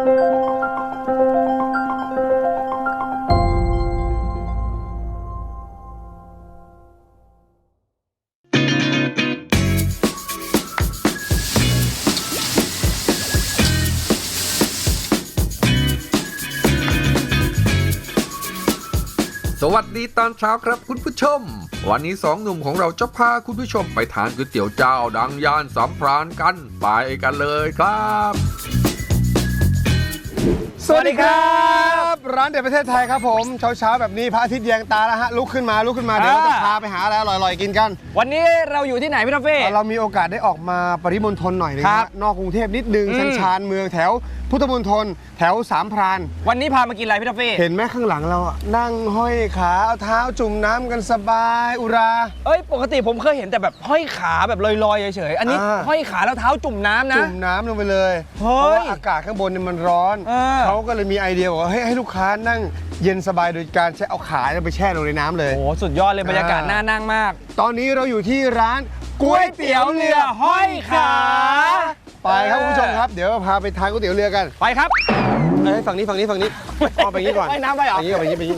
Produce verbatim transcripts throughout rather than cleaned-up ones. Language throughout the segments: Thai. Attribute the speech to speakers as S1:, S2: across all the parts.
S1: สวัสดีตอนเช้าครับคุณผู้ชมวันนี้สองหนุ่มของเราจะพาคุณผู้ชมไปทานก๋วยเตี๋ยวเจ้าดังย่านสามพรานกันไปกันเลยครับ
S2: สวัสดีครับร้านเด็ดประเทศไทยครับผมเช้าๆแบบนี้พระอาทิตย์แยงตาแล้วฮะลุกขึ้นมาลุกขึ้นมาเดี๋ยวเราจะพาไปหาอะไรอร่อยๆกินกัน
S3: วันนี้เราอยู่ที่ไหนพี่ทัฟฟี่
S2: เรามีโอกาสได้ออกมาปริมณฑลหน่อยนึงนะนอกกรุงเทพนิดนึงชันชานเมืองแถวพุทธมณฑลแถวสามพราน
S3: วันนี้พามากินอะไรพี่ทัฟฟี่
S2: เห็นไหมข้างหลังเราอ่ะนั่งห้อยขาเอาเท้าจุ่มน้ำกันสบายอุรา
S3: เอ้ยปกติผมเคยเห็นแต่แบบห้อยขาแบบลอยๆเฉยๆอันนี้ห้อยขาแล้วเท้าจุ่มน้ำนะ
S2: จุ่มน้ำลงไปเลยเพราะว่าอากาศข้างบนเนี่ยมันร้อนเขาก็เลยมีไอเดียบอกว่าให้ลูกค้านั่งเย็นสบายโดยการใช้เอาขาไปแช่ลงในน้ำเลย
S3: โอ้สุดยอดเลยบรรยากาศน่านั่งมาก
S2: ตอนนี้เราอยู่ที่ร้าน
S3: ก๋วยเตี๋ยวเรือห้อยขา
S2: ไปครับคุณผู้ชมครับเดี๋ยวพาไปทานก๋วยเตี๋ยวเรือกัน
S3: ไปครับ
S2: เอ้ยฝั่งนี้ฝั่งนี้ฝั่งนี้เอาไปงี้ก่อน
S3: ไปน้ำไปหรอ
S2: ไปงี้ไปงี้ไปงี้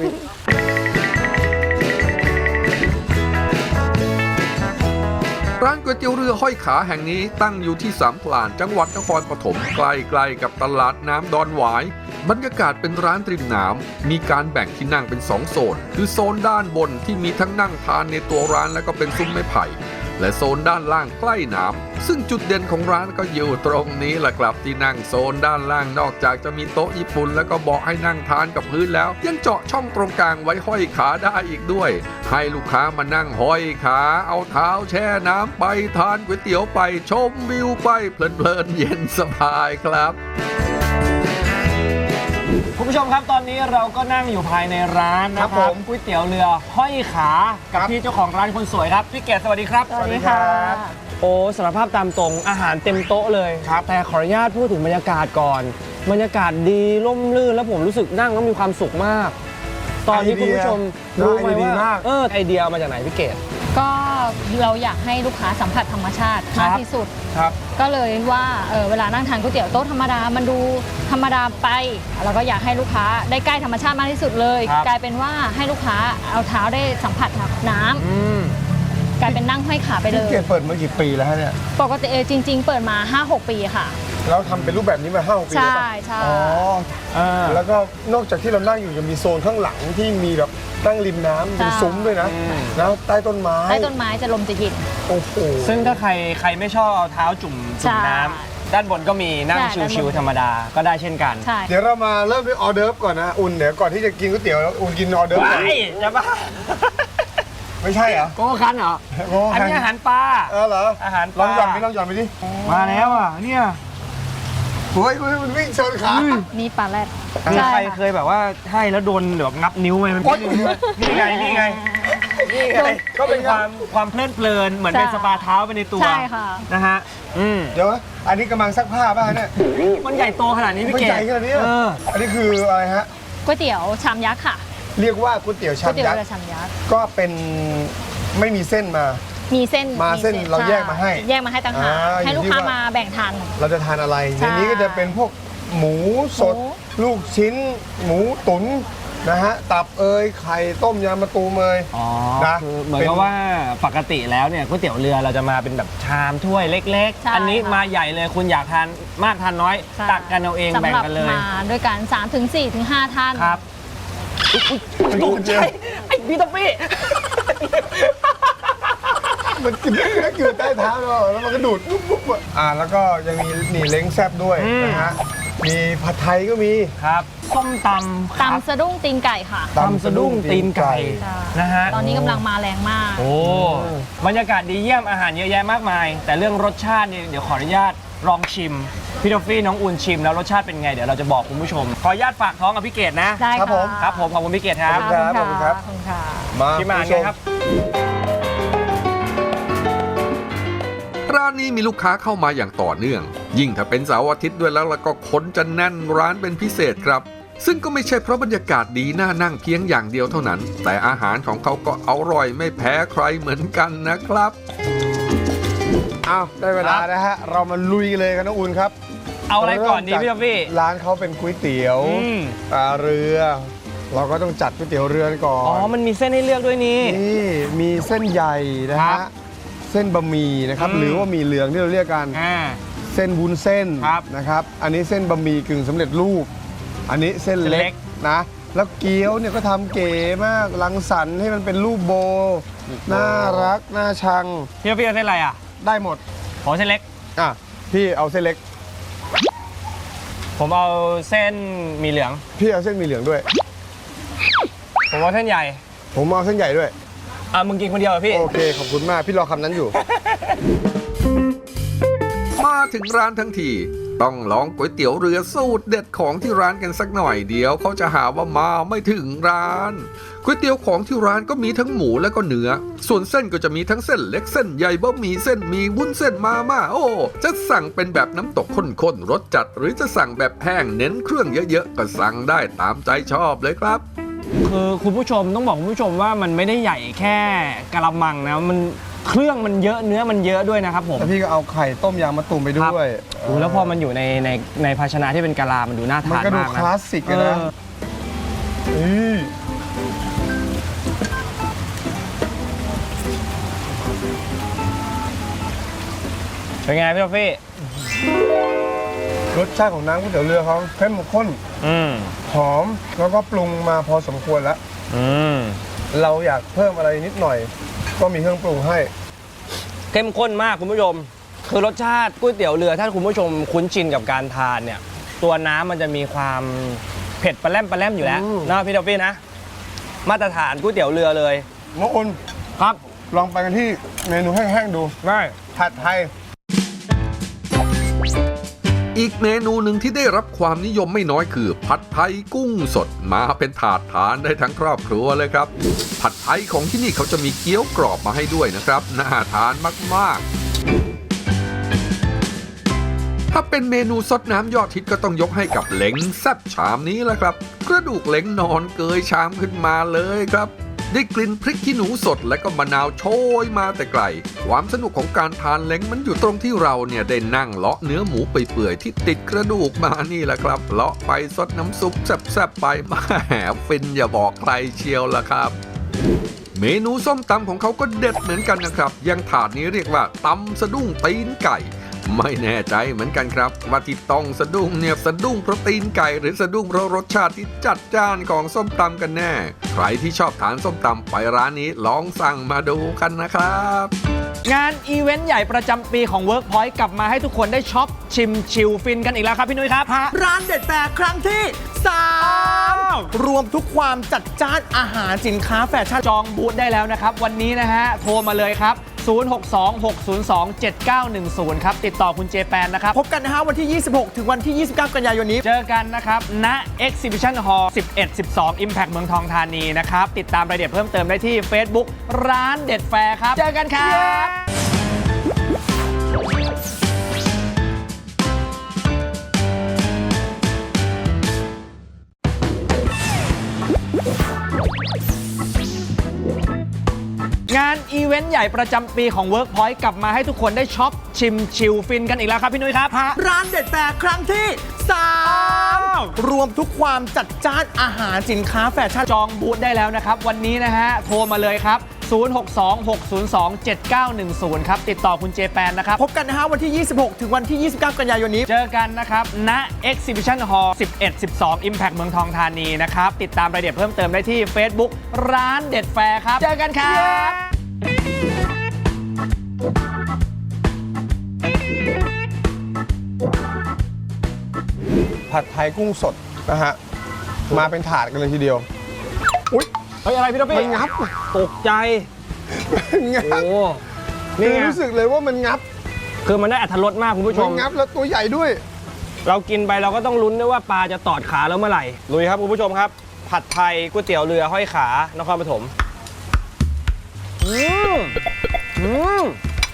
S1: ร้านก๋วยเตี๋ยวเรือห้อยขาแห่งนี้ตั้งอยู่ที่สามพรานจังหวัดนครปฐมใกล้ๆกับตลาดน้ำดอนหวายบรรยากาศเป็นร้านริมน้ำมีการแบ่งที่นั่งเป็นสองโซนคือโซนด้านบนที่มีทั้งนั่งทานในตัวร้านแล้วก็เป็นซุ้มไม้ไผ่และโซนด้านล่างใกล้น้ำซึ่งจุดเด่นของร้านก็อยู่ตรงนี้แหละครับที่นั่งโซนด้านล่างนอกจากจะมีโต๊ะญี่ปุ่นแล้วก็เบาะให้นั่งทานกับพื้นแล้วยังเจาะช่องตรงกลางไว้ห้อยขาได้อีกด้วยให้ลูกค้ามานั่งห้อยขาเอาเท้าแช่น้ำไปทานก๋วยเตี๋ยวไปชมวิวไปเพลินๆเย็นสบายครับ
S3: คุณผู้ชมครับตอนนี้เราก็นั่งอยู่ภายในร้านนะครับก๋วยเตี๋ยวเรือห้อยขากับพี่เจ้าของร้านคนสวยครับพี่เกศสวัสดีครับ
S4: สวัสดีค่ะ
S3: โอ้สารภาพตามตรงอาหารเต็มโต๊ะเลยครับแต่ขออนุญาตพูดถึงบรรยากาศก่อนบรรยากาศดีร่มรื่นแล้วผมรู้สึกนั่งแล้วมีความสุขมากตอนนี้คุณผู้ชมรู้ไหมว่าเออไอเดียมาจากไหนพี่เกศ
S4: ก็เราอยากให้ลูกค้าสัมผัสธรรมชาติมากที่สุดก็เลยว่าเออเวลานั่งทานก๋วยเตี๋ยวโต๊ะธรรมดามันดูธรรมดาไปเราก็อยากให้ลูกค้าได้ใกล้ธรรมชาติมากที่สุดเลยกลายเป็นว่าให้ลูกค้าเอาเท้าได้สัมผัสน้ำกลายเป็นนั่งห้อยขาไปเลย
S2: พี่เกศเปิดมากี่ปีแล้วฮะเนี่ย
S4: ปกติเออจริงๆเปิดมา ห้าหก ปีค่ะ
S2: เราทำเป็นรูปแบบนี้มา ห้าหก ปีแล้ว
S4: ใช่ใช่
S2: อ๋อแล้วก็นอกจากที่เรานั่งอยู่ยังมีโซนข้างหลังที่มีแบบนั่งริมน้ำเป็นซุ้มด้วยนะแล้วใต้ต้นไม้
S4: ใต้ต้นไม้จะลมจะเย็น
S2: โอ้โห
S3: ซึ่งถ้าใครใครไม่ชอบเอาเท้าจุ่มจุ่มน้ำด้านบนก็มีนั่งชิวๆธรรมดาก็ได้เช่นกัน
S2: เดี๋ยวเรามาเริ่มด้วยออเดิร์ฟก่อนนะอุ่นเดี๋ยวก่อนที่จะกินก๋วยเตี๋ยวอุ่นกินออเดิร์ฟก่อน
S3: จะบ้า
S2: ไม่ใช่เหรอ
S3: โกคันเหรออันนี้อาหารปลา
S2: เออเหรอ
S3: อาหาร
S2: ลองหย่อนไปลองหย่อนไปดิ
S3: มาแล้วอ่ะเนี่ย
S2: โอ้ยมันวิ่งชนขา
S4: นี่ปลาแรด
S3: มีใครเคยแบบว่าให้แล้วโดนแบบงับนิ้วไหมนี่ไงนี่ไงนี่ไงก็เป็นความความเพลิดเพลินเหมือนเป็นสปาเท้าไปในตัว
S4: ใช่ค่ะ
S3: นะฮะ
S2: เดี๋ยวอันนี้กำลังซักผ้าป่ะเนี่ย
S3: มันใหญ่โตขนาดนี้พี่เก๋
S2: ใหญ่ขนาดนี้อันนี้คืออะไรฮะ
S4: ก๋วยเตี๋ยวชามยักษ์ค่ะ
S2: เรียกว่าก๋วยเตี๋ยวชามยักษ์ก็เป็นไม่มีเส้นมา
S4: มีเส้น
S2: มาเส้นเราแยกมาให้
S4: แยกมาให้ต่างหากให้ลูกค้ามาแบ่งทาน
S2: เราจะทานอะไรในนี้ก็จะเป็นพวกหมูสดลูกชิ้นหมูตุ๋นนะฮะตับเอยไข่ต้มยำมะตูมเอย
S3: นะเหมือนกับว่าปกติแล้วเนี่ยก๋วยเตี๋ยวเรือเราจะมาเป็นแบบชามถ้วยเล็กๆอันนี้มาใหญ่เลยคุณอยากทานมากทานน้อยตักกันเอาเองแบ่งกันเลย
S4: มาด้วยกันสามถึงสี่ถึงห้าท่าน
S3: ครับตกใจไอ้พี่ต๊อปปี้
S2: มันกินได้กินใต้เท้าเราแล้วมันก็ดูดปุ๊บๆอ่าแล้วก็ยังมีนี่เล้งแซ่บด้วยนะฮะมีผัดไทยก็มี
S3: ครับส้มตำ
S4: ตำสะดุ้งตีนไก่ค่ะ
S3: ตำสะดุ้งตีนไก่นะฮะ
S4: ตอนนี้กำลังมาแรงมาก
S3: โอ้บรรยากาศดีเยี่ยมอาหารเยอะแยะมากมายแต่เรื่องรสชาติเนี่ยเดี๋ยวขออนุญาตลองชิมพี่ทอฟฟี่น้องอุ่นชิมแล้วรสชาติเป็นไงเดี๋ยวเราจะบอกคุณผู้ชมขออนุญาตฝากท้องกับพี่เกศนะ
S4: ได้
S2: ครับผม
S3: ครับผมขอบคุณพี่เกศครับ
S2: ขอบคุณครับ
S3: มาพี่มาไงครับ
S1: ร้านนี้มีลูกค้าเข้ามาอย่างต่อเนื่องยิ่งถ้าเป็นเสาร์อาทิตย์ด้วยแล้วแล้วก็คนจะแน่นร้านเป็นพิเศษครับซึ่งก็ไม่ใช่เพราะบรรยากาศดีน่านั่งเพียงอย่างเดียวเท่านั้นแต่อาหารของเขาก็อร่อยไม่แพ้ใครเหมือนกันนะครับ
S2: อ้าวได้เวลานะฮะเรามาลุยกันเลยกันน้องอุ่นครับ
S3: เอาอะไรก่อนดีพี่ท็อฟฟี่
S2: ร้านเขาเป็นก๋วยเตี๋ยว
S3: อืม
S2: ปลาเรือ เราก็ต้องจัดก๋วยเตี๋ยวเรือก่อน
S3: อ๋อมันมีเส้นให้เลือกด้วยนี่
S2: นี่มีเส้นใหญ่นะ
S3: ครั
S2: ฮะ
S3: บ
S2: เส้นบะหมี่นะครับ
S3: อืม
S2: หรือว่าหมี่เหลืองที่เราเรียกกัน
S3: อ่า
S2: เส้นวุ้นเส้น
S3: ครับ
S2: นะครับ อันนี้เส้นบะหมี่กึ่งสำเร็จรูป อันนี้เส้นเล็
S3: เล็
S2: ก
S3: ก
S2: นะ แล้วเกี๊ยวเนี่ยก็ทำเก๋มากรังสรรค์ให้มันเป็นรูปโบ น่ารัก น่าชัง
S3: พี่ท็อฟฟี่เอาเส้นอะไรอ่ะ
S2: ได้หมด
S3: ขอเส้นเล็ก
S2: อ่ะ พี่เอาเส้นเล็ก
S3: ผมเอาเส้นหมีเหลือง
S2: พี่เอาเส้นหมีเหลืองด้วย
S3: ผมเอาเส้นใหญ่
S2: ผมเอาเส้นใหญ่ด้วย
S3: อ่ะมึงกินคนเดียวเหรอพี่
S2: โอเค ขอบคุณมาก พี่รอคำนั้นอยู่
S1: มาถึงร้านทั้งทีต้องลองก๋วยเตี๋ยวเรือสูตรเด็ดของที่ร้านกันสักหน่อยเดียวเขาจะหาว่ามาไม่ถึงร้านก๋วยเตี๋ยวของที่ร้านก็มีทั้งหมูและก็เนื้อส่วนเส้นก็จะมีทั้งเส้นเล็กเส้นใหญ่บะหมี่เส้นหมี่วุ้นเส้นมาม่าโอ้จะสั่งเป็นแบบน้ำตกข้นๆรสจัดหรือจะสั่งแบบแห้งเน้นเครื่องเยอะๆก็สั่งได้ตามใจชอบเลยครับ
S3: คือคุณผู้ชมต้องบอกคุณผู้ชมว่ามันไม่ได้ใหญ่แค่กะละมังนะมันเครื่องมันเยอะเนื้อมันเยอะด้วยนะครับผม
S2: แล้วพี่ก็เอาไข่ต้มยางมะตูมไปด้วย
S3: โอ้แล้วพอมันอยู่ในในในภาชนะที่เป็นกะลา มันดูน่า
S2: มัน
S3: ทาน
S2: ก็ดู
S3: มาก
S2: ค
S3: นะ
S2: ลาสสิกอะนะ
S3: เออ
S2: นี่
S3: เป็นไงพี่ท็อฟฟี่
S2: รสชาติของน้ำก๋วยเตี๋ยวเรือเขาเข้มข้น
S3: อืม
S2: หอมแล้วก็ปรุงมาพอสมควรแล้ว
S3: อืม
S2: เราอยากเพิ่มอะไรนิดหน่อย ก็มีเครื่องปรุงให้
S3: เข้มข้นมากคุณผู้ชม คือรสชาติก๋วยเตี๋ยวเรือถ้าคุณผู้ชมคุ้นชินกับการทานเนี่ย ตัวน้ำมันจะมีความเผ็ดปลาแรมปลาแรมอยู่แล้ว
S2: อืม
S3: นะพี่ท็อฟฟี่นะ มาตรฐานก๋วยเตี๋ยวเรือเลย
S2: มะอน
S3: ครับ
S2: ลองไปกันที่เมนูแห้งๆดู
S3: ได้
S2: ผัดไทย
S1: อีกเมนูหนึ่งที่ได้รับความนิยมไม่น้อยคือ ผัดไทยกุ้งสดมาเป็นถาดทานได้ทั้งครอบครัวเลยครับ ผัดไทยของที่นี่เขาจะมีเกี๊ยวกรอบมาให้ด้วยนะครับน่าทานมากๆ ถ้าเป็นเมนูซดน้ำยอดฮิตก็ต้องยกให้กับเล้งแซ่บชามนี้แหละครับกระดูกเล้งนอนเกยชามขึ้นมาเลยครับ ได้กลิ่นพริกขี้หนูสดและก็มะนาวโชยมาแต่ไกล ความสนุกของการทานเล้งมันอยู่ตรงที่เราเนี่ยได้นั่งเลาะเนื้อหมูเปื่อยๆที่ติดกระดูกมานี่แหละครับเลาะไปซดน้ำซุปแซ่บๆไปแหมฟินอย่าบอกใครเชียวล่ะครับ เมนูส้มตำของเขาก็เด็ดเหมือนกันนะครับอยังถาดนี้เรียกว่าตำสะดุ้งตีนไก่ ไม่แน่ใจเหมือนกันครับว่าที่ต้องสะดุ้งเนี่ยสะดุ้งเพราะตีนไก่หรือสะดุ้งเพราะรสชาติที่จัดจ้านของส้มตำกันแน่ ใครที่ชอบทานส้มตำไปร้านนี้ลองสั่งมาดูกันนะครับ
S3: งานอีเวนต์ใหญ่ประจำปีของ Workpoint กลับมาให้ทุกคนได้ช็อปชิมชิลฟินกันอีกแล้วครับพี่นุ้ยครับ
S5: ร้านเด็ดแฟร์ครั้งที่สาม
S3: ว
S5: รวมทุกความจัดจ้านอาหารสินค้าแฟชั่น
S3: จองบูธได้แล้วนะครับ วันนี้นะฮะ โทรมาเลยครับ ศูนย์ หก สอง หก ศูนย์ สอง เจ็ด เก้า หนึ่ง ศูนย์ ครับ ติดต่อคุณเจแปนนะครับ
S5: พบกันนะฮะวันที่ ยี่สิบหก ถึงวันที่ ยี่สิบเก้า กันยายนนี้
S3: เจอกันนะครับ ณ Exhibition Hall สิบเอ็ด สิบสอง Impact เมืองทองธานีนะครับ ติดตามรายละเอียดเพิ่มเติมได้ที่ Facebook ร้านเด็ดแฟร์ครับ เจอกันครับ งานอีเวนต์ใหญ่ประจำปีของ Workpoint กลับมาให้ทุกคนได้ช็อปชิมชิลฟินกันอีกแล้วครับพี่นุ้ยครับ
S5: ร้านเด็ดแฟร์ครั้งที่สาม
S3: ว
S5: รวมทุกความจัดจ้านอาหารสินค้าแฟชั่น
S3: จองบูธได้แล้วนะครับ วันนี้นะฮะ โทรมาเลยครับ ศูนย์ หก สอง หก ศูนย์ สอง เจ็ด เก้า หนึ่ง ศูนย์ ครับ ติดต่อคุณเจแปนนะครับ
S5: พบกันนะฮะวันที่ ยี่สิบหก ถึงวันที่ ยี่สิบเก้า กันยายนนี้
S3: เจอกันนะครับ ณ Exhibition Hall สิบเอ็ด สิบสอง Impact เมืองทองธานีนะครับ ติดตามรายละเอียดเพิ่มเติมได้ที่ Facebook ร้านเด็ดแฟร์ครับ เจอกันครับ
S2: ผัดไทยกุ้งสดนะฮะ มาเป็นถาดกันเลยทีเดียว อุ๊ย
S3: เฮ้ย อะไรพี่ท็อฟฟี่
S2: มันงับ
S3: ตกใจ
S2: งับ
S3: โอ้
S2: นี่
S3: นี่ไง
S2: รู้สึกเลยว่ามันงับ
S3: คือมันได้อรรถรสมากคุณผู้ช
S2: มัน
S3: ม
S2: งับแล้วตัวใหญ่ด้วย
S3: เรากินไปเราก็ต้องลุ้นด้วยว่าปลาจะตอดขาแล้วเมื่อไหร่ลุยครับคุณผู้ชมครับ ผัดไทยก๋วยเตี๋ยวเรือห้อยขานครปฐมอืมอืม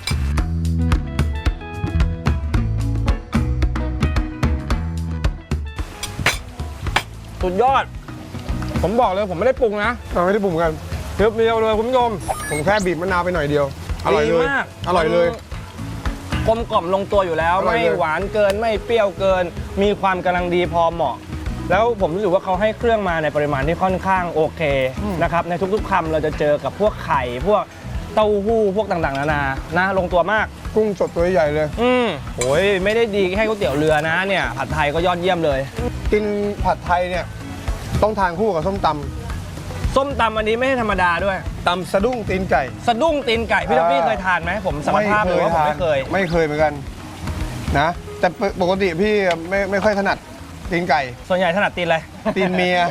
S3: สุดยอด ผมบอกเลยผมไม่ได้ปรุงนะ
S2: เราไม่ได้ปรุงกัน
S3: เพียวๆเลยคุณผู้ชม
S2: ผมแค่บีบมะนาวไปหน่อยเดียว อร่อยเลย
S3: ดีมาก
S2: อร่อยเลย
S3: กลมกล่อมลงตัวอยู่แล้ว
S2: อร่อย
S3: ไม่
S2: เลย
S3: หวานเกินไม่เปรี้ยวเกิน มีความกำลังดีพอเหมาะ แล้วผมรู้สึกว่าเขาให้เครื่องมาในปริมาณที่ค่อนข้างโอเคนะครับในทุกๆคำเราจะเจอกับพวกไข่พวกเต้าหู้พวกต่างๆนานานะลงตัวมาก
S2: กุ้งสดตัวใหญ่เลย
S3: อืมโอ้ยไม่ได้ดีแค่ก๋วยเตี๋ยวเรือนะเนี่ยผัดไทยก็ยอดเยี่ยมเลย
S2: กินผัดไทยเนี่ยต้องทานคู่กับส้มต
S3: ส้มตำอันนี้ไม่ใช่ธรรมดาด้วย
S2: ำตำสะดุ้งตีนไก่
S3: สะดุ้งตีนไก่พี่ท็อปปี้
S2: อ่า
S3: เคยทานไหมผมสารภาพเลยว่าผมไม่เคย
S2: ไม่เคยเหมือนกันนะ แต่ปกติพี่ไม่ไม่ค่อยถนัดตีนไก่
S3: ส่วนใหญ่ถนัดตีนอะไร
S2: ตีนเมีย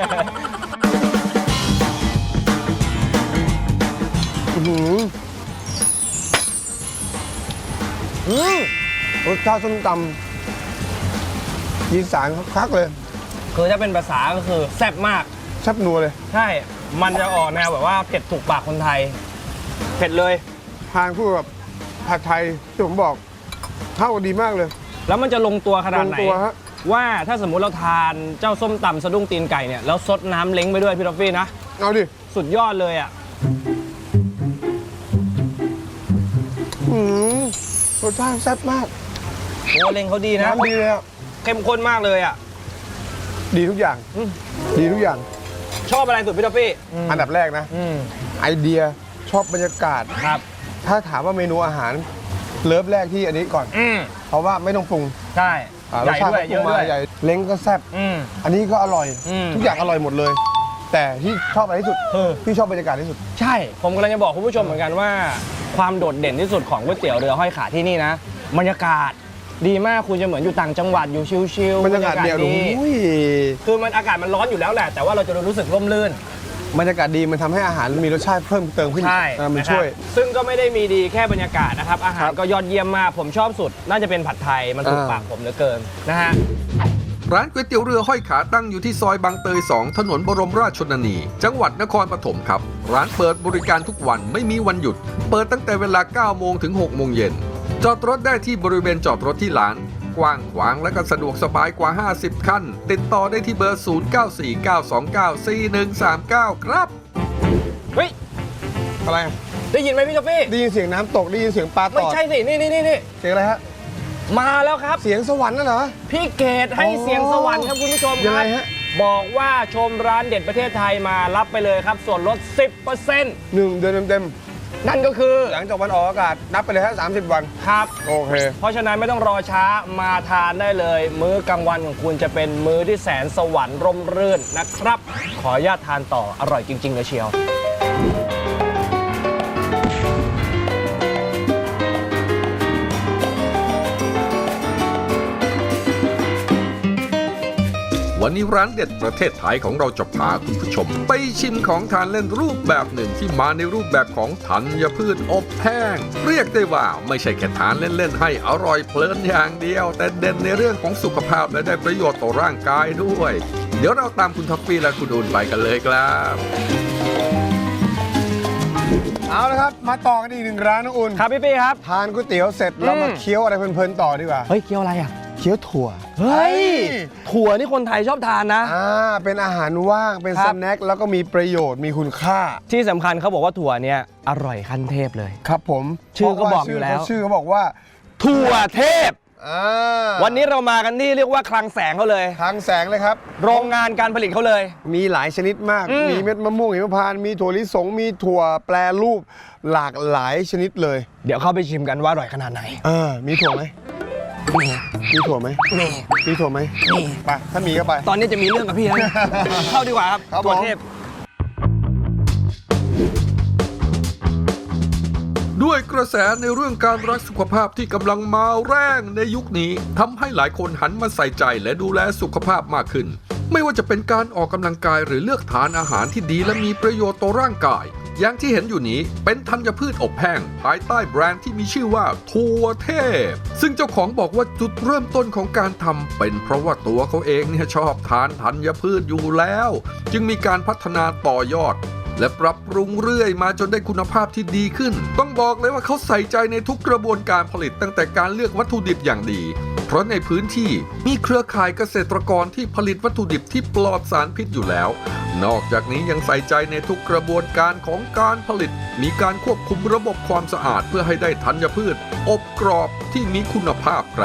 S2: อื้อหือ
S3: อืม
S2: รสชาติส้มตำยีสานคักๆเลย
S3: คือถ้าเป็นภาษาก็คือแซ่บมาก
S2: แซ่บนัวเลย
S3: ใช่ มันจะออกแนวแบบว่าเผ็ดถูกปากคนไทย เผ็ดเลย
S2: ทานคู่กับผัดไทยที่ผมบอกเข้ากันดีมากเลย
S3: แล้วมันจะลงตัวขนาดไหน
S2: ลงตัวฮะ
S3: ว่าถ้าสมมุติเราทานเจ้าส้มตำสะดุ้งตีนไก่เนี่ยแล้วซดน้ำเล้งไปด้วยพี่ท็อฟฟี่นะ
S2: เอาดิ
S3: สุดยอดเลยอ่ะ
S2: อืมรสชาติแซ่บมาก
S3: โอ้เล้งเขาดีนะ
S2: น้ำดีเลยอะ
S3: เข้มข้นมากเลยอ่ะ
S2: ดีทุกอย่าง
S3: อืม
S2: ดีทุกอย่าง
S3: ชอบอะไรสุดพี่ท็อฟฟี่
S2: อันดับแรกนะ
S3: อืม
S2: ไอเดียชอบบรรยากาศ
S3: ครับ
S2: ถ้าถามว่าเมนูอาหารเลิฟแรกที่อันนี้ก่อน
S3: อืม
S2: เพราะว่าไม่ต้องปรุง
S3: ใช่
S2: อ่า
S3: ใหญ่ด้วย
S2: รสชาติ
S3: เยอะ
S2: ก็ปรุง
S3: ด้ว
S2: มาย ใหญ่เล้งก็แซ่บ
S3: อืม
S2: อันนี้ก็อร่อย
S3: อืม
S2: ทุกอย่างอร่อยหมดเลย แต่ที่ชอบอะไรที่สุด
S3: เออ
S2: พี่ชอบบรรยากาศที่สุด
S3: ใช่ ผมกำลังจะบอกคุณผู้ชมเหมือนกันว่า ความโดดเด่นที่สุดของก๋วยเตี๋ยวเรือห้อยขาที่นี่นะบรรยากาศดีมากคุณจะเหมือนอยู่ต่างจังหวัดอยู่ชิลๆ
S2: บรรยากาศเดียว
S3: ดี
S2: อุ้ย
S3: คือมันอากาศมันร้อนอยู่แล้วแหละ แต่ว่าเราจะรู้สึกร่มรื่น
S2: บรรยากาศดีมันทำให้อาหารมีรสชาติเพิ่มเติมขึ้น
S3: ใช่
S2: อ่ามัน
S3: นะครับ
S2: ช่วย
S3: ซึ่งก็ไม่ได้มีดีแค่บรรยากาศนะครับ อาหาร
S2: ครับ
S3: ก็ยอดเยี่ยมมาก ผมชอบสุด น่าจะเป็นผัดไทยมันถูก
S2: อ่า
S3: ปากผมเหลือเกินนะฮะ
S1: ร้านก๋วยเตี๋ยวเรือห้อยขาตั้งอยู่ที่ซอยบางเตย สอง ถนนบรมราชชนนี จังหวัดนครปฐมครับ ร้านเปิดบริการทุกวันไม่มีวันหยุด เปิดตั้งแต่เวลา เก้า โมงถึง หก โมงเย็น จอดรถได้ที่บริเวณจอดรถที่ร้าน กว้างขวางและก็สะดวกสบายกว่า ห้าสิบ คัน ติดต่อได้ที่เบอร์ ศูนย์ เก้า สี่ เก้า สอง เก้า สี่ หนึ่ง สาม เก้า ครับ
S3: เฮ้ย
S2: อะไร
S3: ได้ยินไหมพี่กาแฟ
S2: ได้ยินเสียงน้ำตกได้ยินเสียงปลาต
S3: ไม่
S2: อด
S3: ใช่สิ นี่นี่นี่นี่
S2: เสียงอะไรฮะ
S3: มาแล้วครับ
S2: เสียงสวรรค์น่ะเหรอ
S3: พี่เกดให้
S2: อ๋อ
S3: เสียงสวรรค์ครับคุณผู้ชมค
S2: ยังไง
S3: รับ
S2: ฮะ
S3: บอกว่าชมร้านเด็ดประเทศไทยมารับไปเลยครับ ส่วนลด สิบเปอร์เซ็นต์
S2: หนึ่งเดือนเต็ม
S3: นั่นก็คือ
S2: ๆหลังจากวันออกอากาศนับไปเลยฮะสามสิบวัน
S3: ครับ
S2: โอเค
S3: เพราะฉะนั้นไม่ต้องรอช้ามาทานได้เลย มื้อกลางวันของคุณจะเป็นมื้อที่แสนสวรรค์ร่มรื่นนะครับ ขออนุญาตทานต่ออร่อยจริงๆเลยเชียว
S1: วันนี้ร้านเด็ดประเทศไทยของเราจะพาคุณผู้ชม ไปชิมของทานเล่นรูปแบบหนึ่งที่มาในรูปแบบของธัญพืชอบแห้ง เรียกได้ว่าไม่ใช่แค่ทานเล่นๆให้อร่อยเพลินอย่างเดียว แต่เด่นในเรื่องของสุขภาพและได้ประโยชน์ต่อร่างกายด้วย เดี๋ยวเราตามคุณท็อฟฟี่และคุณอุ่นไปกันเลยครับ
S2: เอาละครับ มาต่อกันอีกหนึ่งร้านนะอุ่น
S3: ครับพี่ปี้ครับ
S2: ทานก๋วยเตี๋ยวเสร็จแล้วมา
S3: อืม
S2: เคี้ยวอะไรเพลินๆต่อดีกว่า
S3: เฮ้ยเคี้ยวอะไรอ่ะ
S2: เคี้ยวถั่ว
S3: เฮ้ย ถั่วนี่คนไทยชอบทานนะ
S2: อ่าเป็นอาหารว่างเป็น
S3: ครั
S2: ส
S3: บ
S2: แน็คแล้วก็มีประโยชน์มีคุณค่า
S3: ที่สำคัญเขาบอกว่าถั่วเนี่ยอร่อยขั้นเทพเลย
S2: ครับผม
S3: ชื่อก็
S2: เพราะว่า
S3: บอกอยู่แล้ว
S2: ชื่อเขาบอกว่า
S3: ถั่วเทพ
S2: อ่า
S3: วันนี้เรามากันที่เรียกว่าคลังแสงเขาเลย
S2: ทางแสงเลยครับ
S3: โรงงานการผลิตเขาเลย
S2: มีหลายชนิดมาก
S3: อืม
S2: มีเม็ดมะม่วงหิมพานต์มีถั่วลิสง มีถั่วแปรรูปหลากหลายชนิดเลย
S3: เดี๋ยวเข้าไปชิมกันว่าอร่อยขนาดไหน
S2: เออมีถั่วไหม
S3: มี
S2: มีถั่วไหม
S3: มี
S2: มีถั่วไหม
S3: มี
S2: ไปถ้ามีก็ไป
S3: ตอนนี้จะมีเรื่องกับพี่แล้ว เข้าดีกว่าครับ
S2: ครับ
S3: ถั่ว
S2: ผม
S3: เทพ
S1: ด้วยกระแสในเรื่องการรักสุขภาพที่กำลังมาแรงในยุคนี้ทำให้หลายคนหันมาใส่ใจและดูแลสุขภาพมากขึ้น ไม่ว่าจะเป็นการออกกำลังกายหรือเลือกทานอาหารที่ดีและมีประโยชน์ต่อร่างกาย อย่างที่เห็นอยู่นี้เป็นธัญพืชอบแห้งภายใต้แบรนด์ที่มีชื่อว่าถั่วเทพ ซึ่งเจ้าของบอกว่าจุดเริ่มต้นของการทำเป็นเพราะว่าตัวเขาเองเนี่ยชอบทานธัญพืชอยู่แล้ว จึงมีการพัฒนาต่อยอด และปรับปรุงเรื่อยมาจนได้คุณภาพที่ดีขึ้น ต้องบอกเลยว่าเขาใส่ใจในทุกกระบวนการผลิตตั้งแต่การเลือกวัตถุดิบอย่างดีเพราะในพื้นที่มีเครือข่ายเกษตรกรที่ผลิตวัตถุดิบที่ปลอดสารพิษอยู่แล้ว นอกจากนี้ยังใส่ใจในทุกกระบวนการของการผลิตมีการควบคุมระบบความสะอาดเพื่อให้ได้ธัญพืชอบกรอบที่มีคุณภาพครับ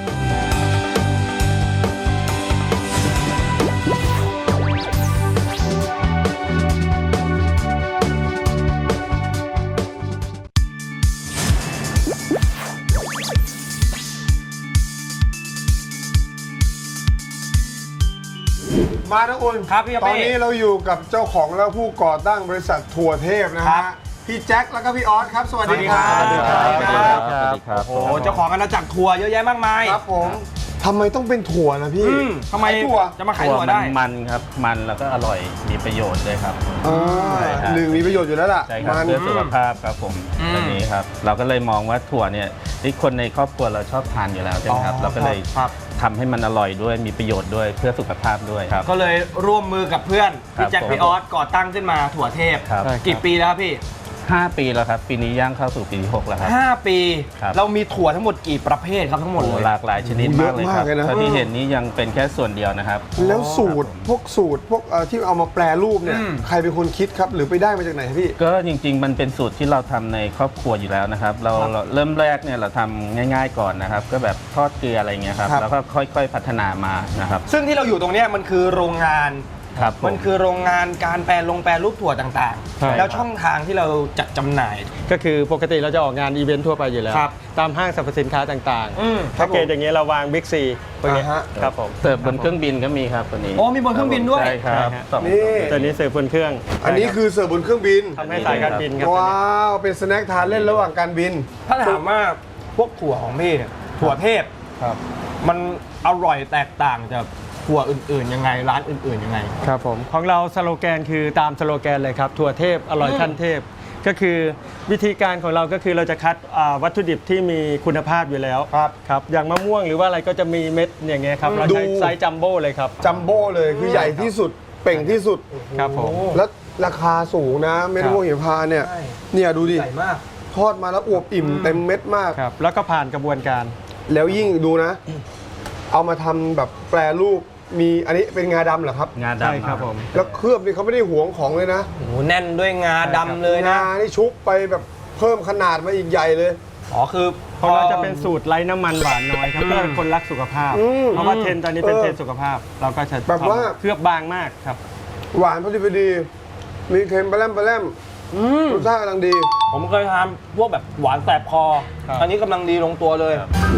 S2: มานะอุ่น
S5: ครับพี่
S2: ตอนนี้เราอยู่กับเจ้าของและผู้ก่อตั้งบริษัทถั่วเทพนะ
S5: ครั
S2: ฮะ
S5: บ
S2: พี่แจ็คแล้วก็พี่ออสครับสวัสดีครับ
S5: สวัสดีครับ
S6: สวัสดีครับสวัสดีครับ
S5: โอ้โหเจ้าของอาณาจักรทัวร์เยอะแยะมากมาย
S2: ครับผมทำไมต้องเป็นถั่วนะพี่
S5: อืมทำไม
S2: ขายถั่ว
S5: จะมาขาย
S6: ถั่ว
S5: ถั่ว
S6: มัน
S5: ได้
S6: มันครับ มันแล้วก็อร่อย มีประโยชน์ด้วยครับ
S2: อ่า
S6: ใช่ครับ
S2: หนึ่งมีประโยชน์อยู่แล้วล่ะ
S6: ใช่ครับ
S2: มัน
S6: เพื่อสุขภาพครับผม
S5: อืม
S6: อันนี้ครับ เราก็เลยมองว่าถั่วเนี่ยที่คนในครอบครัวเราชอบทานอยู่แล้วใช่ไหมครับ
S5: อ๋อ
S6: เราก็เลย
S5: ครับ
S6: ทำให้มันอร่อยด้วย มีประโยชน์ด้วย เพื่อสุขภาพด้วยครับ
S5: ก็เลยร่วมมือกับเพื่อน
S6: ครับ
S5: พี่แจ็ค
S6: ผม
S5: พี่ออสก่อตั้งขึ้นมาถั่วเทพ
S6: ครับ
S5: กี่ปีแล้วครับพี่
S6: ห้าปีแล้วครับ ปีนี้ย่างเข้าสู่ปีที่หกแล้วครับ
S5: ห้าปี
S6: ครับ
S5: เรามีถั่วทั้งหมดกี่ประเภทครับทั้งหมด
S6: โอ้
S5: เลย
S6: หลากหลายชนิดมากเลยครับ
S2: เยอะมากเลยนะ
S6: เท่าที่เห็นนี้ยังเป็นแค่ส่วนเดียวนะครับ
S2: แล้วสูตรพวกสูตรพวกเอ่อที่เอามาแปรรูปเนี่ย
S5: อืม
S2: ใครเป็นคนคิดครับหรือไปได้มาจากไหนครับพี่
S6: ก็จริงๆ มันเป็นสูตรที่เราทำในครอบครัวอยู่แล้วนะครับ เราเราเริ่มแรกเนี่ยเราทำง่าย ๆก่อนนะครับ ก็แบบทอดเกลืออะไรเงี้ยครับ
S2: ครับ
S6: แล้วก็ค่อยๆพัฒนามานะครับ
S5: ซึ่งที่เราอยู่ตรงเนี้ยมันคือโรงงาน
S6: ครับผ
S5: มันคือโรงงานการแปรลงแปรรูปถั่วต่าง
S3: ใช่
S5: ๆ แล้วช่องทางที่เราจัดจำหน่าย
S3: ก็คือปกติเราจะออกงานอีเวนต์ทั่วไปอยู่แล้ว
S5: ครับ
S3: ตามห้างสรรพสินค้าต่าง
S5: อืม
S3: ๆแพ็กเกจอย่างเงี้ยเราวางบิ๊กซีพวกเนี้ย
S2: อ่าฮะ
S3: ครับผม
S6: เสิร์ฟบนเครื่องบินก็มีครับตัวนี้
S5: โอ้มีบนเครื่องบินด้วย
S6: ใช่ครับ
S3: ใช่ฮะ
S6: สอง
S2: นี่
S3: ตัวนี้เสิร์ฟบนเครื่อง
S2: อันนี้คือเสิร์ฟบนเครื่องบิน
S3: ทำให้สายการบินครับตัว
S2: ว้า
S3: นี้
S2: วเป็นสแน็คทานเล่นระหว่างการบิน
S5: ถ้าถามว่าพวกถั่วของพี่เนี่ยถั่วเทพ
S3: ครับ
S5: มันอร่อยแตกต่างจากถั่วอื่นๆยังไงร้านอื่นๆยังไง
S3: ครับผมของเราสโลแกนคือตามสโลแกนเลยครับถั่วเทพอร่อยขั้นเทพ ก็คือวิธีการของเราก็คือเราจะคัดอ่าวัตถุดิบที่มีคุณภาพอยู่แล้ว
S2: ครับ
S3: ครับอย่างมะม่วงหรือว่าอะไรก็จะมีเม็ดอย่างเงี้ยครับเราใช้
S2: ดู
S3: ไซส์จัมโบ้เลยครับ
S2: จัมโบ้เลยคือใหญ่ที่สุดเป่งที่สุด
S3: ครับผม
S2: แล้วราคาสูงนะเม็ด
S3: ครับ
S2: มะม่วงหิมพานต์เนี่ย
S5: ใช่
S2: เนี่ยดูดิ
S5: ใหญ่มาก
S2: ทอดมาแล้วอวบอิ่มเต็มเม็ดมาก
S3: ครับแล้วก็ผ่านกระบวนการ
S2: แล้วยิ่งดูนะ เอามาทำแบบแปรรูปมีอันนี้เป็นงาดำเหรอครับ
S6: งา
S3: ใช่
S6: ดำ
S3: ครับผม
S2: แล้วเคลือบนี่เขาไม่ได้หวงของเลยนะ
S5: โอ้โหแน่นด้วยงาดำเลยนะ
S2: งานี่ชุบไปแบบเพิ่มขนาดมาอีกใหญ่เลย
S5: อ๋อคือ
S3: ของเราจะเป็นสูตรไร้น้ำมันหวานน้อยครับเพื่อคนรักสุขภาพ
S2: อืม
S3: เพราะว่าเทรนด์ตอนนี้เป็น
S2: เออ
S3: เทรนด์สุขภาพ เราก็จะ
S2: แบบว่า
S3: เคลือบบางมากครับ
S2: หวานพอดีพอดี มีเค็มปลาแรมปลาแรม
S5: อืม
S2: รสชาติกำลังดี
S5: ผมเคยทานพวกแบบหวานแสบคอ
S3: ครับ
S5: อันนี้กำลังดีลงตัวเลย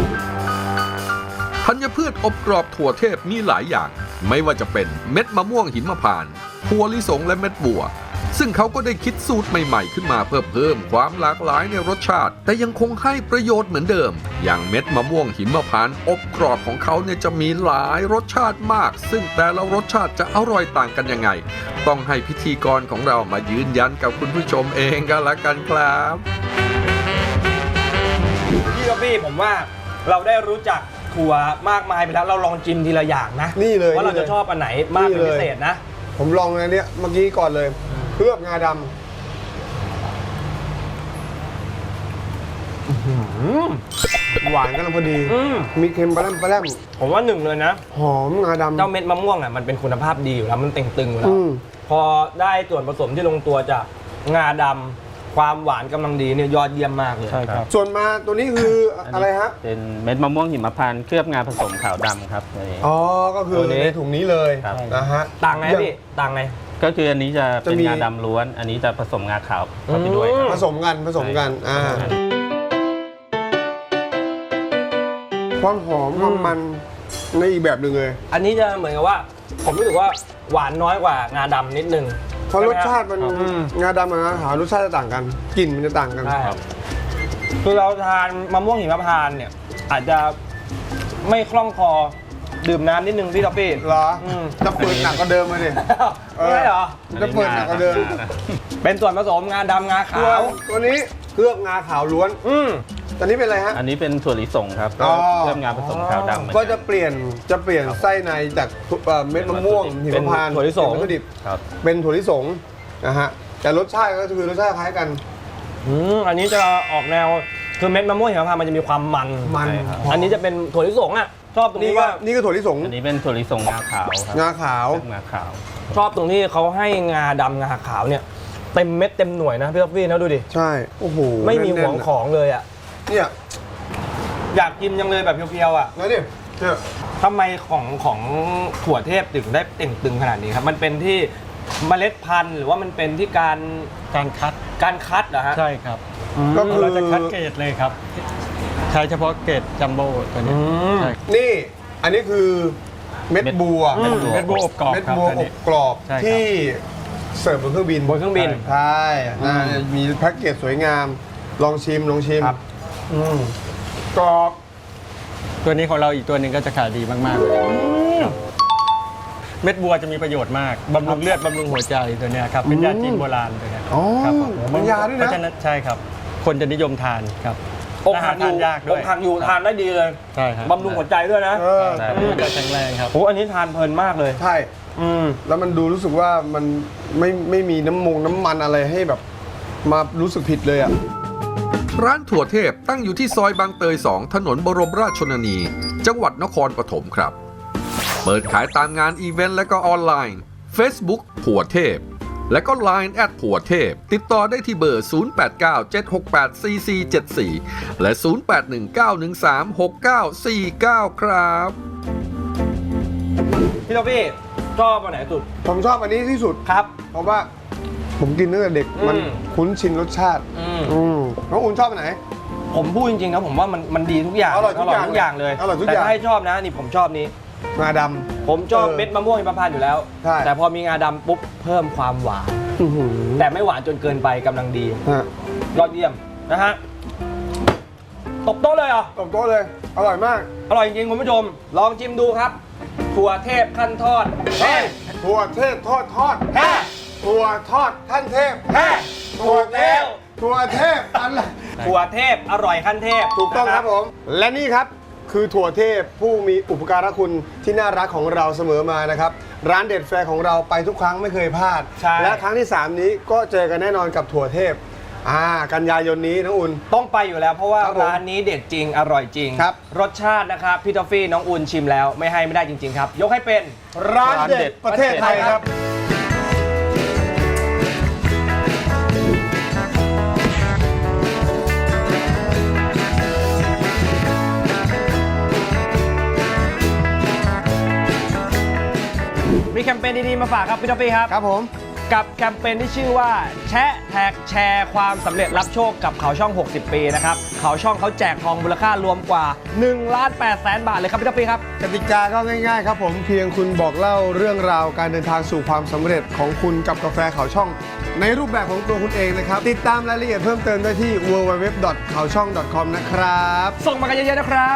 S1: ธัญพืชอบกรอบถั่วเทพมีหลายอย่าง ไม่ว่าจะเป็นเม็ดมะม่วงหิมพานต์ถั่วลิสงและเม็ดบัว ซึ่งเขาก็ได้คิดสูตรใหม่ๆขึ้นมาเพื่อเพิ่มความหลากหลายในรสชาติ แต่ยังคงให้ประโยชน์เหมือนเดิม อย่างเม็ดมะม่วงหิมพานต์อบกรอบของเขาเนี่ยจะมีหลายรสชาติมาก ซึ่งแต่ละรสชาติจะอร่อยต่างกันยังไง ต้องให้พิธีกรของเรามายืนยันกับคุณผู้ชมเองก็แล้วกันครับ
S5: พี่กับพี่ผมว่าเราได้รู้จักถั่วมากมายไปแล้วเราลองจิ้มทีละอย่างนะ
S2: นี่เลย
S5: ว่าเรา
S2: นี่
S5: จะ
S2: เลย
S5: ชอบอันไหนมากเป็น
S2: นี่เลย
S5: พิเศษนะ
S2: ผมลองอันเนี้ยเมื่อกี้ก่อนเลย เคลือบงาดำหวานกำลังพอดี
S5: อืม
S2: มีเค็มปลาแรมปลาแรม
S5: ผมว่าหนึ่งเลยนะ
S2: หอมงาดำ
S5: เจ้าเม็ดมะม่วงอ่ะมันเป็นคุณภาพดีอยู่แล้วมันเต่งตึงอยู่แล้ว
S2: อืม
S5: พอได้ส่วนผสมที่ลงตัวจากงาดำความหวานกำลังดีเนี่ยยอดเยี่ยมมากเลย
S3: ใช่ครับ
S2: ส่วนมาตัวนี้คืออะไรฮะ
S6: เป็นเม็ดมะม่วงหิมพานต์เคลือบงาผสมขาวดำครับตัวนี้
S2: อ๋อ ก็คือในถุงนี้เลย
S6: ครับ
S2: นะฮะ
S5: ต่างไงพี่ต่างไง
S6: ก็คืออันนี้จะเป็น
S2: จะมี
S6: งาดำล้วน อันนี้จะผสมงาขาวเข้าไปด้วย
S5: อื
S6: ครับ
S2: ผสมกันผสมกัน อ่า ความหอมความมันในอีกแบบหนึ่งเลย
S5: อันนี้จะเหมือนกับว่า ผมรู้สึกว่าหวานน้อยกว่างาดำนิดนึง
S2: เพราะรสชาติมัน
S5: อืม
S2: งาดำกับงาขาวรสชาติจะต่างกัน กลิ่นมันจะต่างกัน
S5: ใช่ครับคือเราทานมะม่วงหิมพานต์เนี่ย อาจจะไม่คล่องคอดื่มน้ำนิดนึงพี่ท็อปปี้
S2: เหรอ
S5: อืม
S2: จะเปิดหนักกว่าเดิมเลยดิ
S5: ไม่ใช่เหรอ
S2: จะเปิดหนักกว่าเดิม
S5: เป็นส่วนผสมงาดำงา
S2: เคลื
S5: ขา
S2: อบ
S5: ว
S2: ตัวนี้เคลือบงาขาวล้วน
S5: อืม
S2: ตอนนี้เป็นอะไรฮะ
S6: อันนี้เป็นถั่วลิสงครับ
S2: อ๋อ
S6: เคลือบงาผสมขาวดำเหมือน
S2: ก็
S6: น
S2: จะเปลี่ยนจะเปลี่ยนไส้ในจากเอ่อเม็ดมะม่วงหิมพานต์
S5: เป็นถั่วลิสง
S2: เป็นวัตถุดิบ
S6: ครับ
S2: เป็นถั่วลิสงนะฮะแต่รสชาติก็คือรสชาติคล้ายกัน
S5: อืมอันนี้จะออกแนวคือเม็ดมะม่วงหิมพานต์มันจะมีความมัน
S2: มัน
S5: ใช่ครับอันนี้จะเป็นถั่วลิสงอ่ะชอบตรง
S2: นี่
S5: ที่
S2: ก็
S5: ว่า
S2: นี่ก็ถั่วลิสง
S6: อันนี้เป็นถั่วลิสงงาขาวครับ
S2: งาขาว
S6: งาขาว
S5: ชอบตรงที่เขาให้งาดำงาขาวเนี่ยเต็มเม็ดเต็มหน่วยนะพี่ท็อฟฟี่นะดูดิ
S2: ใช่โอ้โห
S5: ไม่มีห
S2: แน่
S5: วน ง
S2: ๆะ
S5: ของเลยอ่ะ
S2: เนี่ย
S5: อยากกินยังเลยแบบเพียวๆอ่ะ
S2: แล้วดิเนี่ย
S5: ทำไมของของถั่วเทพถึงได้เต่งตึงขนาดนี้ครับมันเป็นที่เมล็ดพันธุ์หรือว่ามันเป็นที่การ
S7: การคัด
S5: การคัดเหรอฮะ
S7: ใช่ครับ
S2: ก็คือ
S7: เราจะคัดเกรดเลยครับ ใช้เฉพาะเกรดจัมโบ้ตัวนี้
S5: อืม
S7: ใช่
S2: นี่อันนี้คือเม็ดบัว
S6: เม็ดบัว
S7: เม็ดบัวอบกรอบ
S2: เม็ด
S7: ครับ
S2: บัว
S7: อัน
S2: อ
S7: นี้
S2: บกรอบ
S7: ใช่ครับ
S2: ที่เสิร์ฟบนเครื่องบิน
S5: บนเครื่องบิน
S2: ใช่น่าจะมีแพ็กเกจสวยงาม ลองชิมลองชิม
S5: ครับ
S2: อืมกรอบ
S7: ตัวนี้ของเราอีกตัวหนึ่งก็จะขายดีมากๆเลยครับเม็ดบัวจะมีประโยชน์มากบำรุงเลือดบำรุงหัวใจตัวเนี้ยครับเป็นยาจีนโบราณตัวเนี้ย
S2: อ๋อ
S7: ครับผม
S2: มันยาด้วยนะ
S7: เพราะฉะนั้นใช่ครับ คนจะนิยมทานครับ
S5: อกหักอยู่
S7: ทานยาก
S5: อ
S7: ด้วย
S5: กหักอยู่ทานได้ดีเลย
S7: ใช่ครับ
S5: บำรุงหัวใจด้วยนะ
S2: เออ
S6: ใช่
S7: มันจะแข็งแรงครับ
S5: โอ้อันนี้ทานเพลินมากเลย
S2: ใช่
S5: อืม
S2: แล้วมันดูรู้สึกว่ามันไม่ไม่มีน้ำมงน้ำมันอะไรให้แบบ มารู้สึกผิดเลยอ่ะ
S1: ร้านถั่วเทพตั้งอยู่ที่ซอยบางเตย สอง ถนนบรมราชชนนี จังหวัดนครปฐมครับ เปิดขายตามงานอีเวนต์และก็ออนไลน์ Facebook ถั่วเทพ และก็ ไลน์ แอทถั่วเทพ ติดต่อได้ที่เบอร์ ศูนย์ แปด เก้า เจ็ด หก แปด สี่ สี่ เจ็ด สี่ และ ศูนย์ แปด หนึ่ง เก้า หนึ่ง สาม หก เก้า สี่ เก้า ครับ
S5: พี่ท็อฟฟี่ชอบอันไหนสุด
S2: ผมชอบอันนี้ที่สุด
S5: ครับ
S2: เพราะว่าผมกินตั้งแต่เด็ก
S5: อืม
S2: มันคุ้นชินรสชาติ
S5: อืม
S2: อืมน้องอุ่นชอบอันไหน
S5: ผมพูดจริงๆครับผมว่ามันมันดีทุกอย่าง
S2: อร่อยทุกอย่าง
S5: ทุกอย่างเลย
S2: อร่อยทุก
S5: แต่
S2: อย่าง
S5: ถ้าให้ชอบนะนี่ผมชอบนี้
S2: งาด
S5: ผมชอบ
S2: เออ
S5: เม็ดมะม่วงหิมพานต์อยู่แล้ว
S2: ใช่
S5: แต่พอมีงาดำปุ๊บเพิ่มความหวาน
S2: ำอื้อหือ
S5: แต่ไม่หวานจนเกินไปกำลังดี
S2: ฮะ
S5: ยอดเยี่ยมนะฮะตบโต๊ะเลยเหรอ
S2: ตบโต๊ะเลย อร่อยมาก
S5: อร่อยจริงๆคุณผู้ชม ลองชิมดูครับ ถั่วเทพขั้นทอดเฮ้
S2: ถั่วเทพทอดทอด
S5: แฮ่
S2: ถั่วทอดท่านเทพ
S5: แฮ่
S2: ถั่วเทพถั่วเทพอะไร
S5: ถั่วเทพอร่อยขั้นเทพ
S2: ถูกต้อง
S5: นะครับ
S2: ผม และนี่ครับคือถั่วเทพผู้มีอุปการะคุณที่น่ารักของเราเสมอมานะครับ ร้านเด็ดแฟร์ของเราไปทุกครั้งไม่เคยพลาด
S5: ใช่
S2: และครั้งที่ สาม นี้ก็เจอกันแน่นอนกับถั่วเทพอ่ากันยายนนี้น้องอุ่น
S5: ต้องไปอยู่แล้วเพราะว่า
S2: ครับผม
S5: ร้านนี้เด็ดจริงอร่อยจริง
S2: ครับ
S5: รสชาตินะครับพี่ทอฟฟี่น้องอุ่นชิมแล้วไม่ให้ไม่ได้จริง ๆ ครับ ยกให้เป็น
S2: ร้านเด็ดประเทศไทยครับ
S5: มีแคมเปญดีๆมาฝากครับพี่ทอฟฟี่ครับ
S2: ครับผม
S5: กับแคมเปญที่ชื่อว่าแชะแท็กแชร์ความสำเร็จรับโชคกับเขาช่อง หกสิบ ปีนะครับเขาช่องเขาแจกทองมูลค่ารวมกว่า1ล้าน8แสนบาทเลยครับพี่ทอฟฟี่ครับ
S2: กติกาก็ง่ายๆครับผมเพียงคุณบอกเล่าเรื่องราวการเดินทางสู่ความสำเร็จของคุณกับกาแฟเขาช่อง ในรูปแบบของตัวคุณเองนะครับ ติดตามรายละเอียดเพิ่มเติมได้ที่ ดับเบิลยู ดับเบิลยู ดับเบิลยู ดอท เขาช่อง ดอท คอม นะครับ
S5: ส่งมากันเยอะๆนะครับ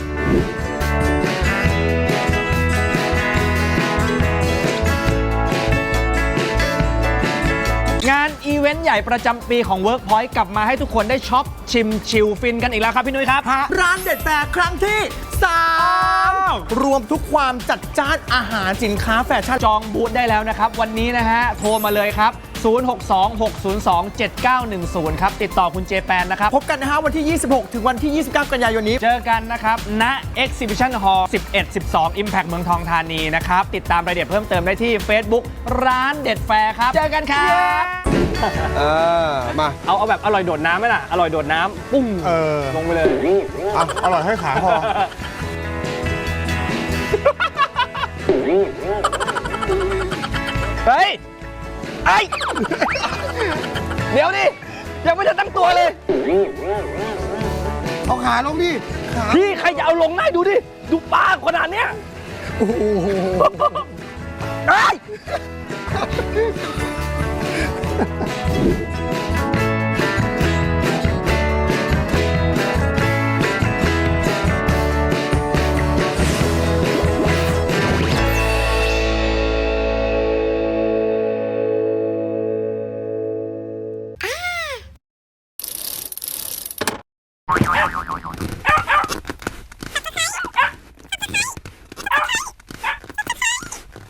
S5: งานอีเวนต์ใหญ่ประจำปีของ Workpoint กลับมาให้ทุกคนได้ช็อปชิมชิลฟินกันอีกแล้วครับพี่นุ้ยครับ
S8: ร้านเด็ดแฟร์ครั้งที่สามรวมทุกความจัดจ้านอาหารสินค้าแฟชั่น
S5: จองบูธได้แล้วนะครับ วันนี้นะฮะ โทรมาเลยครับ ศูนย์ หก สอง หก ศูนย์ สอง เจ็ด เก้า หนึ่ง ศูนย์ ครับ ติดต่อคุณเจแปนนะครับ
S8: พบกันนะฮะวันที่ ยี่สิบหก ถึงวันที่ ยี่สิบเก้า กันยายนนี้
S5: เจอกันนะครับ ณ Exhibition Hall สิบเอ็ด สิบสอง Impact เมืองทองธานีนะครับ ติดตามรายละเอียดเพิ่มเติมได้ที่ Facebook ร้านเด็ดแฟร์ครับ เจอกันครับ
S2: เออ มา
S5: เอาเอาแบบอร่อยโดดน้ำไหมล่ะ อร่อยโดดน้ำปุ้ง
S2: เออ
S5: ลงไปเลย
S2: อ่ะอร่อยให้ขาพอ
S5: เฮ้ย ไอ้ เดี๋ยวดิยังไม่ทันตั้งตัวเลย
S2: เอาขาลงดิ ขา
S5: พี่ใครจะเอาลงได้ดูดิ ดูปลาขนาดเนี้ย
S2: โอ้โห
S5: ไอ้ย